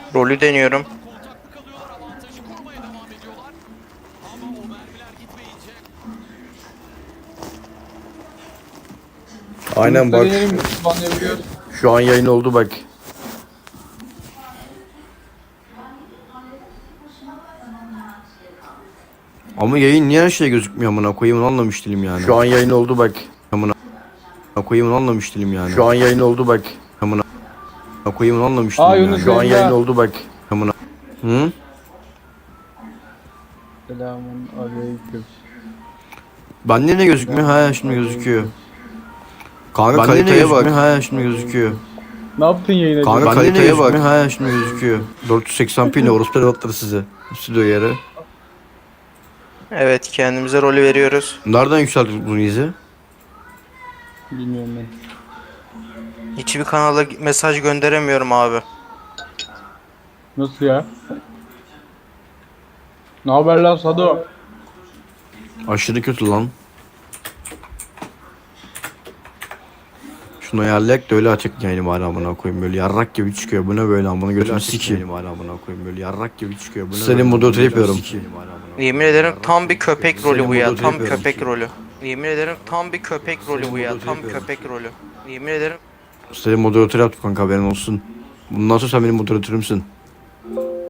Rolü deniyorum. Aynen bak. Deneyelim, banlayabiliyoruz. Şu an yayın oldu bak. Ama yayın niye her şey gözükmüyor amına koyayım onu anlamış değilim yani. Şu an yayın oldu bak. Amına koyayım onu anlamış değilim yani. Şu an yayın oldu bak. Amına koyayım onu anlamış değilim yani. Yunus Şu an yayında. yayın oldu bak. Amına. Hı? Selamun aleyküm. Bende ne gözükmüyor? Ha şimdi gözüküyor. Kanka Bende kaliteye bak. Ha şimdi gözüküyor. Ne yaptın yayına? Kanka acaba? kaliteye bak. Ha şimdi gözüküyor. 480p ne orospu evlatları size. Stüdyo yeri. Evet, kendimize rolü veriyoruz. Nereden yükselttik bunu izi? Bilmiyorum ben. Hiçbir kanala mesaj gönderemiyorum abi. Nasıl ya? Ne haber lan Sado? Aşırı kötü lan. Şunu ayarlayak da öyle açık yayını bari amına koyayım böyle yarrak gibi çıkıyor. Bu ne böyle amına götünü sikeyim. Bari amına koyayım böyle yarrak gibi çıkıyor. Bu ne senin moderatör yapıyorum. Yemin ederim tam bir köpek rolü Senin bu ya. moderatör Tam yapıyorum. köpek rolü. Yemin ederim tam bir köpek rolü bu ya. moderatör Tam yapıyorum. köpek rolü. Yemin ederim. Senin moderatör yaptık kanka haberin olsun. Bundan sonra sen benim moderatörümsün.